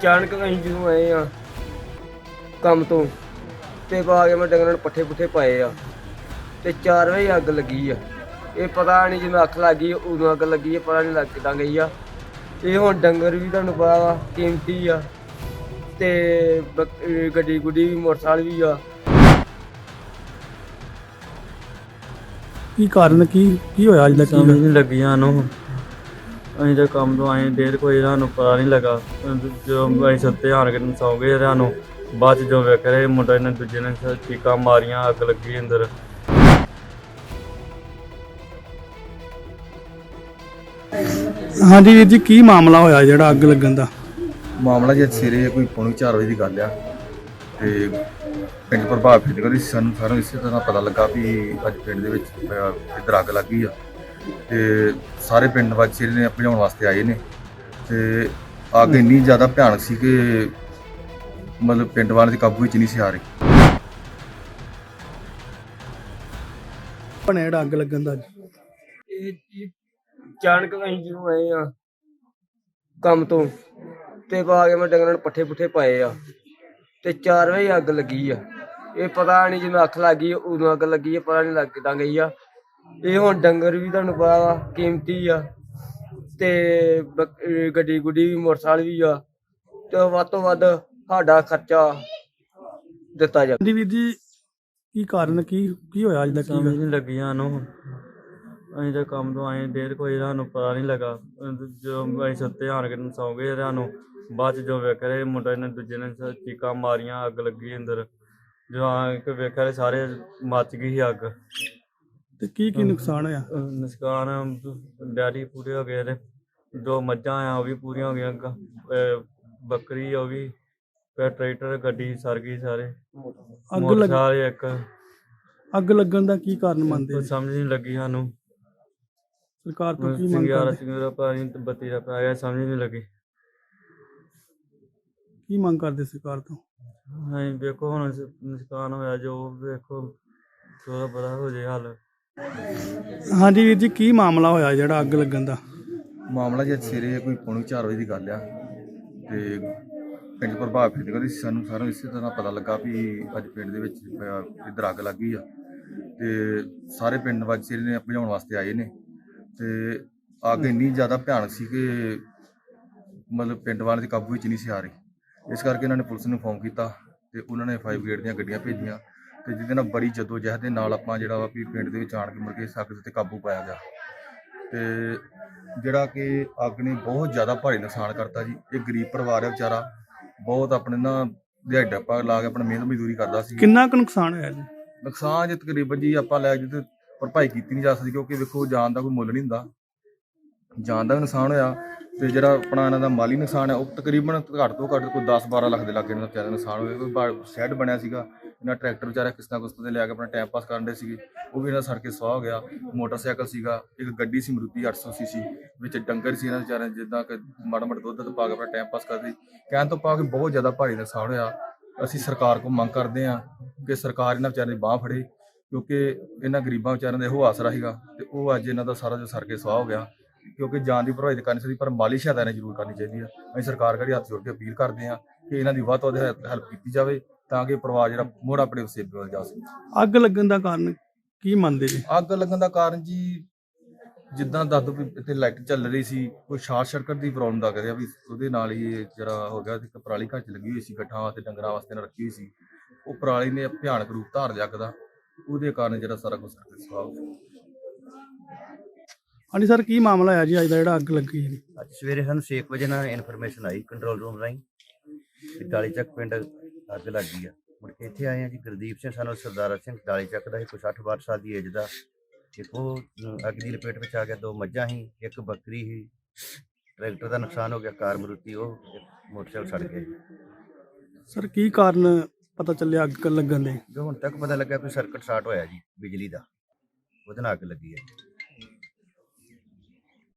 ਅਚਾਨਕ ਅਸੀਂ ਜਦੋਂ ਆਏ ਆ ਕੰਮ ਤੋਂ ਤੇ ਆ ਕੇ ਮੈਂ ਡੰਗਰਾਂ ਨੂੰ ਪੱਠੇ ਪੁੱਠੇ ਪਾਏ ਆ ਤੇ 4 ਵਜੇ ਅੱਗ ਲੱਗੀ ਆ। ਇਹ ਪਤਾ ਨਹੀਂ ਜਦੋਂ ਅੱਖ ਲੱਗ ਗਈ ਉਦੋਂ ਅੱਗ ਲੱਗੀ ਆ, ਪਤਾ ਨਹੀਂ ਲੱਗ ਕਿੱਦਾਂ ਗਈ ਆ। ਇਹ ਹੁਣ ਡੰਗਰ ਵੀ ਤੁਹਾਨੂੰ ਪਤਾ ਵਾ ਕੀਮਤੀ ਆ ਤੇ ਗੱਡੀ ਗੁੱਡੀ ਵੀ ਮੋਟਰਸਾਈਕਲ ਵੀ ਆ। ਕੀ ਕਾਰਨ ਕੀ ਹੋਇਆ ਅੱਜ ਦਾ ਸਮਝ ਨਹੀਂ ਲੱਗੀ ਸਾਨੂੰ। ਅਸੀਂ ਤਾਂ ਕੰਮ ਤੋਂ ਆਏ ਦੇਰ ਕੋਈ ਸਾਨੂੰ ਪਤਾ ਨਹੀਂ ਲੱਗਾ। ਜਦੋਂ ਅਸੀਂ ਸੁੱਤੇ ਆਣ ਕੇ ਸੌਂ ਗਏ ਸਾਨੂੰ ਬਾਅਦ 'ਚ ਜੋ ਵੇਖ ਰਹੇ ਮੁੰਡਾ ਨੇ ਦੂਜੇ ਨੇ ਚੀਕਾਂ ਮਾਰੀਆਂ, ਅੱਗ ਲੱਗੀ ਅੰਦਰ। ਹਾਂਜੀ ਵੀਰ ਜੀ, ਕੀ ਮਾਮਲਾ ਹੋਇਆ ਜਿਹੜਾ ਅੱਗ ਲੱਗਣ ਦਾ? ਮਾਮਲਾ ਜੇ ਸਵੇਰੇ ਕੋਈ ਪੌਣੀ 4 ਵਜੇ ਦੀ ਗੱਲ ਆ ਤੇ ਪਿੰਡ ਪ੍ਰਭਾਵ ਫੀਲ ਕਰੀ ਸਾਨੂੰ ਸਾਰਿਆਂ ਇਸੇ ਤਰ੍ਹਾਂ ਪਤਾ ਲੱਗਾ ਵੀ ਅੱਜ ਪਿੰਡ ਦੇ ਵਿੱਚ ਇੱਧਰ ਅੱਗ ਲੱਗੀ ਆ ਤੇ ਸਾਰੇ ਪਿੰਡ ਵਾਸੀ ਨੇ ਭਜਾਉਣ ਵਾਸਤੇ ਆਏ ਨੇ ਤੇ ਅੱਗ ਇੰਨੀ ਜ਼ਿਆਦਾ ਭਿਆਨਕ ਸੀ ਕਿ ਮਤਲਬ ਪਿੰਡ ਵਾਲਿਆਂ ਦੇ ਕਾਬੂ ਵਿੱਚ ਨਹੀਂ ਸੀ ਆ ਰਹੀ। ਬਣਿਆ ਜਿਹੜਾ ਅੱਗ ਲੱਗਣ ਦਾ? ਇਹ ਅਚਾਨਕ ਅਸੀਂ ਜਦੋਂ ਆਏ ਆ ਕੰਮ ਤੋਂ ਤੇ ਆ ਕੇ ਮੈਂ ਡੰਗਰਾਂ ਨੂੰ ਪੱਠੇ ਪੁੱਠੇ ਪਾਏ ਆ ਤੇ 4 ਵਜੇ ਅੱਗ ਲੱਗੀ ਆ। ਇਹ ਪਤਾ ਨਹੀਂ ਜਦੋਂ ਅੱਖ ਲੱਗ ਗਈ ਉਦੋਂ ਅੱਗ ਲੱਗੀ ਆ, ਪਤਾ ਨਹੀਂ ਲੱਗ ਕਿੱਦਾਂ ਗਈ ਆ। ਇਹ ਹੁਣ ਡੰਗਰ ਵੀ ਤੁਹਾਨੂੰ ਪਤਾ ਵਾ ਕੀਮਤੀ ਆ ਤੇ ਗੱਡੀ ਗੁੱਡੀ ਵੀ ਮੋਟਰਸਾਈਕਲ ਵੀ ਆ ਤੇ ਵੱਧ ਤੋਂ ਵੱਧ ਸਾਡਾ ਖਰਚਾ ਦਿੱਤਾ ਜਾਵੇ। ਹਾਂਜੀ ਵੀਰ ਜੀ, ਕੀ ਕਾਰਨ ਕੀ ਹੋਇਆ ਅੱਜ ਦਾ? ਸਮਝ ਨਹੀਂ ਲੱਗੀ ਸਾਨੂੰ। ਅਸੀਂ ਤਾਂ ਕੰਮ ਤੋਂ ਆਏ ਦੇਰ ਕੋਈ ਸਾਨੂੰ ਪਤਾ ਨਹੀਂ ਲੱਗਾ। ਜਦੋਂ ਅਸੀਂ ਸੁੱਤੇ ਆਣ ਕੇ ਸੌਂ ਗਏ ਸਾਨੂੰ ਬਾਅਦ 'ਚ ਜੋ ਵੇਖ ਰਹੇ ਮੁੰਡਾ ਨੇ ਦੂਜੇ ਨੇ ਚੀਕਾਂ ਮਾਰੀਆਂ, ਅੱਗ ਲੱਗੀ ਅੰਦਰ। ਜਦੋਂ ਆ ਕੇ ਵੇਖਿਆ ਸਾਰੇ ਮੱਚ ਗਈ ਸੀ ਅੱਗ। ਤੇ ਕੀ ਨੁਕਸਾਨ ਹੋਇਆ? ਨੁਕਸਾਨ ਡੈਡੀ ਪੂਰੇ ਹੋ ਗਏ ਤੇ 2 ਮੱਝਾਂ ਆ ਉਹ ਵੀ ਪੂਰੀਆਂ ਹੋ ਗਈਆਂ। ਬੱਕਰੀ ਉਹ ਵੀ, ਫਿਰ ਟਰੈਕਟਰ ਗੱਡੀ ਸਰ ਗਈ ਸਾਰੇ। ਮੋਟਰਸਾਈਕਲ ਇੱਕ। ਅੱਗ ਲੱਗਣ ਦਾ ਕੀ ਕਾਰਨ ਮੰਨਦੇ? ਸਮਝ ਨਹੀਂ ਲੱਗੀ ਸਾਨੂੰ। ਸਰਕਾਰ ਤੋਂ ਕੀ ਮੰਗ ਕਰਦੇ? ਸਿੰਗਾਰਾ ਪਾਣੀ ਤੇ ਬੱਤੀ ਦਾ ਪੈ ਗਿਆ, ਸਮਝ ਨਹੀਂ ਲੱਗੀ। ਕੀ ਮੰਗ ਕਰਦੇ ਸਰਕਾਰ ਤੋਂ? ਅਸੀਂ ਵੇਖੋ ਹੁਣ ਨੁਕਸਾਨ ਹੋਇਆ ਜੋ ਵੇਖੋ ਥੋੜਾ ਬੜਾ ਹੋ ਜੇ ਹੱਲ। ਹਾਂਜੀ ਵੀਰ ਜੀ, ਕੀ ਮਾਮਲਾ ਹੋਇਆ ਜਿਹੜਾ ਅੱਗ ਲੱਗਣ ਦਾ? ਮਾਮਲਾ ਜੇ ਸਵੇਰੇ ਕੋਈ ਪੌਣੀ 4 ਵਜੇ ਦੀ ਗੱਲ ਆ ਤੇ ਪਿੰਡ ਪ੍ਰਭਾਵ ਫੀਲ ਕਰੀ ਸਾਨੂੰ ਸਾਰਿਆਂ ਇਸੇ ਤਰ੍ਹਾਂ ਪਤਾ ਲੱਗਾ ਵੀ ਅੱਜ ਪਿੰਡ ਦੇ ਵਿੱਚ ਇੱਧਰ ਅੱਗ ਲੱਗੀ ਆ ਤੇ ਸਾਰੇ ਪਿੰਡ ਵਾਸੀ ਨੇ ਭਜਾਉਣ ਵਾਸਤੇ ਆਏ ਨੇ ਤੇ ਅੱਗ ਇੰਨੀ ਜ਼ਿਆਦਾ ਭਿਆਨਕ ਸੀ ਕਿ ਮਤਲਬ ਪਿੰਡ ਵਾਲਿਆਂ ਦੇ ਕਾਬੂ ਵਿੱਚ ਨਹੀਂ ਸੀ ਆ ਰਹੀ। ਇਸ ਕਰਕੇ ਇਹਨਾਂ ਨੇ ਪੁਲਿਸ ਨੂੰ ਫੋਨ ਕੀਤਾ ਤੇ ਉਹਨਾਂ ਨੇ ਫਾਇਰ ਬ੍ਰਿਗੇਡ ਦੀਆਂ ਗੱਡੀਆਂ ਭੇਜੀਆਂ ਤੇ ਜਿਹਦੇ ਨਾਲ ਬੜੀ ਜਦੋਜਹਿਦ ਦੇ ਨਾਲ ਆਪਾਂ ਜਿਹੜਾ ਵਾ ਵੀ ਪਿੰਡ ਦੇ ਵਿੱਚ ਆਣ ਕੇ ਮੁੜ ਕੇ ਅੱਗ ਤੇ ਕਾਬੂ ਪਾਇਆ ਗਿਆ ਤੇ ਜਿਹੜਾ ਕਿ ਅੱਗ ਨੇ ਬਹੁਤ ਜ਼ਿਆਦਾ ਭਾਰੀ ਨੁਕਸਾਨ ਕਰਤਾ ਜੀ। ਇਹ ਗਰੀਬ ਪਰਿਵਾਰ ਹੈ ਵਿਚਾਰਾ, ਬਹੁਤ ਆਪਣੇ ਨਾ ਦਿਹਾੜੀ ਡੱਪਾ ਲਾ ਕੇ ਆਪਣਾ ਮਿਹਨਤ ਮਜ਼ਦੂਰੀ ਕਰਦਾ ਸੀ। ਕਿੰਨਾ ਕੁ ਨੁਕਸਾਨ ਹੋਇਆ ਜੀ? ਨੁਕਸਾਨ ਜੇ ਤਕਰੀਬਨ ਜੀ ਆਪਾਂ ਲੈ ਕੇ ਤੇ ਭਰਪਾਈ ਕੀਤੀ ਨਹੀਂ ਜਾ ਸਕਦੀ ਕਿਉਂਕਿ ਵੇਖੋ ਜਾਨ ਦਾ ਕੋਈ ਮੁੱਲ ਨਹੀਂ ਹੁੰਦਾ। ਜਾਨ ਦਾ ਵੀ ਨੁਕਸਾਨ ਹੋਇਆ ਤੇ ਜਿਹੜਾ ਆਪਣਾ ਇਹਨਾਂ ਦਾ ਮਾਲੀ ਨੁਕਸਾਨ ਹੈ ਉਹ ਤਕਰੀਬਨ ਘੱਟ ਤੋਂ ਘੱਟ ਕੋਈ 10-12 ਲੱਖ ਦੇ ਲਾਗੇ ਇਹਨਾਂ ਦਾ ਵਿਚਾਰਾ ਨੁਕਸਾਨ ਹੋਇਆ। ਕੋਈ ਸ਼ੈੱਡ ਬਣਿਆ ਸੀਗਾ, ਇਹਨਾਂ ਟਰੈਕਟਰ ਵਿਚਾਰਾ ਕਿਸ਼ਤਾਂ ਕੁਸ਼ਤਾਂ ਤੇ ਲਿਆ ਕੇ ਆਪਣਾ ਟਾਈਮ ਪਾਸ ਕਰਨ ਦੇ ਸੀਗੇ, ਉਹ ਵੀ ਇਹਨਾਂ ਸੜ ਕੇ ਸੁਆਹ ਹੋ ਗਿਆ। ਮੋਟਰਸਾਈਕਲ ਸੀਗਾ, ਇੱਕ ਗੱਡੀ ਸੀ ਮਰੂਤੀ 800 ਸੀਸੀ, ਵਿੱਚ ਡੰਗਰ ਸੀ ਇਹਨਾਂ ਵਿਚਾਰਿਆਂ ਜਿੱਦਾਂ ਕਿ ਮਾੜਾ ਮਾੜਾ ਦੁੱਧ ਪਾ ਕੇ ਆਪਣਾ ਟਾਈਮ ਪਾਸ ਕਰਦੇ। ਕਹਿਣ ਤੋਂ ਪਾ ਕੇ ਬਹੁਤ ਜ਼ਿਆਦਾ ਭਾਰੀ ਨੁਕਸਾਨ ਹੋਇਆ। ਅਸੀਂ ਸਰਕਾਰ ਕੋਲ ਮੰਗ ਕਰਦੇ ਹਾਂ ਕਿ ਸਰਕਾਰ ਇਹਨਾਂ ਵਿਚਾਰਿਆਂ ਦੀ ਬਾਂਹ ਫੜੇ ਕਿਉਂਕਿ ਇਹਨਾਂ ਗਰੀਬਾਂ ਵਿਚਾਰਿਆਂ ਦਾ ਇਹੋ ਆਸਰਾ ਸੀਗਾ ਤੇ ਉਹ ਅੱਜ ਇਹਨਾਂ ਦਾ ਸਾਰਾ ਜੋ ਸੜ ਕੇ ਸੁਆਹ ਹੋ ਗਿਆ। ਕਿਉਂਕਿ ਜਾਨ ਦੀ ਭਰਪਾਈ ਕਰਨੀ ਚਾਹੀਦੀ ਪਰ ਮਾਲੀ ਸਹਾਇਤਾ ਇਹਨਾਂ ਜ਼ਰੂਰ ਕਰਨੀ ਚਾਹੀਦੀ ਆ। ਅਸੀਂ ਸਰਕਾਰ ਕਰੀ ਹੱਥ ਜੋੜ ਕੇ ਅਪੀਲ ਕਰਦੇ ਹਾਂ ਕਿ ਇਹਨਾਂ ਦੀ ਵੱਧ ਤੋਂ ਵੱਧ ਹੈਲਪ ਕੀਤੀ ਜਾਵੇ ਤਾਂ ਕਿ ਪਰਿਵਾਰ ਜਿਹੜਾ ਮੁੜ ਆਪਣੇ ਉਸੇਬੇ ਵੱਲ ਜਾ ਸਕੇ। ਅੱਗ ਲੱਗਣ ਦਾ ਕਾਰਨ ਕੀ ਮੰਨਦੇ ਜੀ? ਅੱਗ ਲੱਗਣ ਦਾ ਕਾਰਨ ਜੀ ਜਿੱਦਾਂ ਦੱਸ ਦਿਓ ਵੀ ਇੱਥੇ ਲਾਈਟ ਚੱਲ ਰਹੀ ਸੀ, ਕੋਈ ਸ਼ਾਰਟ ਸਰਕਟ ਦੀ ਪ੍ਰੋਬਲਮ ਦਾ ਕਰਿਆ ਵੀ ਉਹਦੇ ਨਾਲ ਹੀ ਇਹ ਜਿਹੜਾ ਹੋ ਗਿਆ। ਇੱਕ ਪਰਾਲੀ ਘਰ 'ਚ ਲੱਗੀ ਹੋਈ ਸੀ, ਗੱਠਾਂ ਵਾਸਤੇ ਡੰਗਰਾਂ ਵਾਸਤੇ ਨਾਲ ਰੱਖੀ ਹੋਈ ਸੀ, ਉਹ ਪਰਾਲੀ ਨੇ ਭਿਆਨਕ ਰੂਪ ਧਾਰ ਲਿਆ ਅੱਗ ਦਾ, ਉਹਦੇ ਕਾਰਨ ਜਿਹੜਾ ਸਾਰਾ ਕੁਝ ਸਵਾਹ ਹੋ ਗਿਆ। ਹਾਂਜੀ ਸਰ, ਕੀ ਮਾਮਲਾ ਹੈ ਜੀ ਅੱਜ ਦਾ ਜਿਹੜਾ ਅੱਗ ਲੱਗੀ ਜੀ? ਅੱਜ ਸਵੇਰੇ ਸਾਨੂੰ 6 ਵਜੇ ਨਾਲ ਇਨਫੋਰਮੇਸ਼ਨ ਆਈ ਕੰਟਰੋਲ ਰੂਮ ਰਾਹੀਂ ਕਿ ਡਾਲੀ ਚੱਕ ਪਿੰਡ ਅੱਗ ਲੱਗ ਗਈ ਆ। ਮੁੜ ਕੇ ਇੱਥੇ ਆਏ ਆ ਜੀ। ਗੁਰਦੀਪ ਸਿੰਘ ਸਾਨੂੰ ਸਰਦਾਰਾ ਸਿੰਘ ਡਾਲੀ ਚੱਕ ਦਾ ਸੀ, ਕੋਈ 60-62 ਸਾਲ ਦੀ ਏਜ ਦਾ। ਇੱਕ ਉਹ ਅੱਗ ਦੀ ਲਪੇਟ ਵਿੱਚ ਆ ਗਿਆ। 2 ਮੱਝਾਂ ਸੀ, ਇੱਕ ਬੱਕਰੀ ਸੀ, ਟਰੈਕਟਰ ਦਾ ਨੁਕਸਾਨ ਹੋ ਗਿਆ, ਕਾਰ ਮਰੂਤੀ, ਉਹ ਮੋਟਰਸਾਈਕਲ ਸੜ ਗਿਆ। ਸਰ ਕੀ ਕਾਰਨ ਪਤਾ ਚੱਲਿਆ ਅੱਗ ਲੱਗਣ ਦੇ? ਜੋ ਹੁਣ ਤੱਕ ਪਤਾ ਲੱਗਾ ਕੋਈ ਸਰਕਟ ਸ਼ਾਰਟ ਹੋਇਆ ਜੀ ਬਿਜਲੀ ਦਾ, ਉਹਦੇ ਨਾਲ ਅੱਗ ਲੱਗੀ ਹੈ।